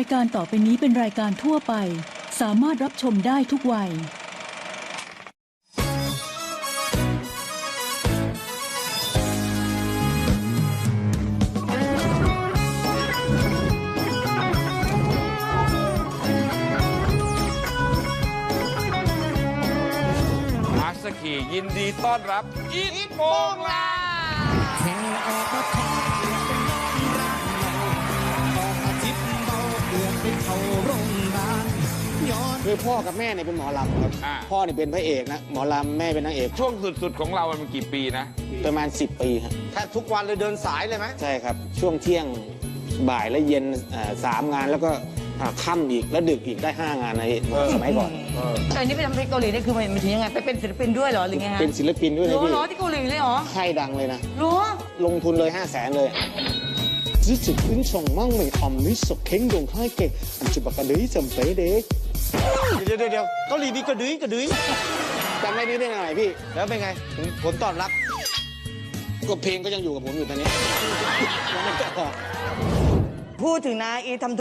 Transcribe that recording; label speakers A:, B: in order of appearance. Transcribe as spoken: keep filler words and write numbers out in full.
A: ายการต่อไปนี้เป็นรายการทั่วไปสามารถรับชมได้ทุกวัย
B: มาสกียินดีต้อนรับอีทโปงลาง
C: แค่ออกมาทอดเปลือกเป็นน้องรักเราออกมาจิบเบาเปลือกเป็นเขาโรงพยาบาลย้อน
D: คือพ่อกับแม่เนี่ยเป็นหมอลำครับพ่อเนี่ยเป็นพระเอกนะหมอลำแม่เป็นนางเอก
B: ช่วงสุดๆของเรามันกี่ปีนะ
D: ประมาณสิบปีครับ
E: แทบทุกวันเลยเดินสายเลยไหม
D: ใช่ครับช่วงเที่ยงบ่ายและเย็นสามงานแล้วก็ค่ำอีกแล้วดึกอีกได้ห้างานในสมัยก่อน
F: แต่อันนี้ไปทำเพลงเกาหลีนี่คือมันถึงยังไงไปเป็นศิลปินด้วยเหรอหรือไงฮะ
D: เป็นศิลปินด้วยนะพี่
F: เหรอที่เกาหลีเลยเหรอ
D: ค่ายดังเลยนะ
F: เหรอ
D: ลงทุนเลยห้าแสนเลยรู้สึกขึ้นชงมั่งไม่อมนิสเข่งดงให้เก่งอันจุบักกระดื้อจำเป๊ะเด็ก
E: เดี๋ยวเดี๋ยวเดี๋ยวเกาหลีมีกระดื้อกระดื้อ
D: จำได้นี้ได้ไงพี่
E: แล้วเป็นไงผลตอบรับ
D: ก็เพลงก็ยังอยู่กับผมอยู่ตอนนี้
F: พูดถึงนะอีทำ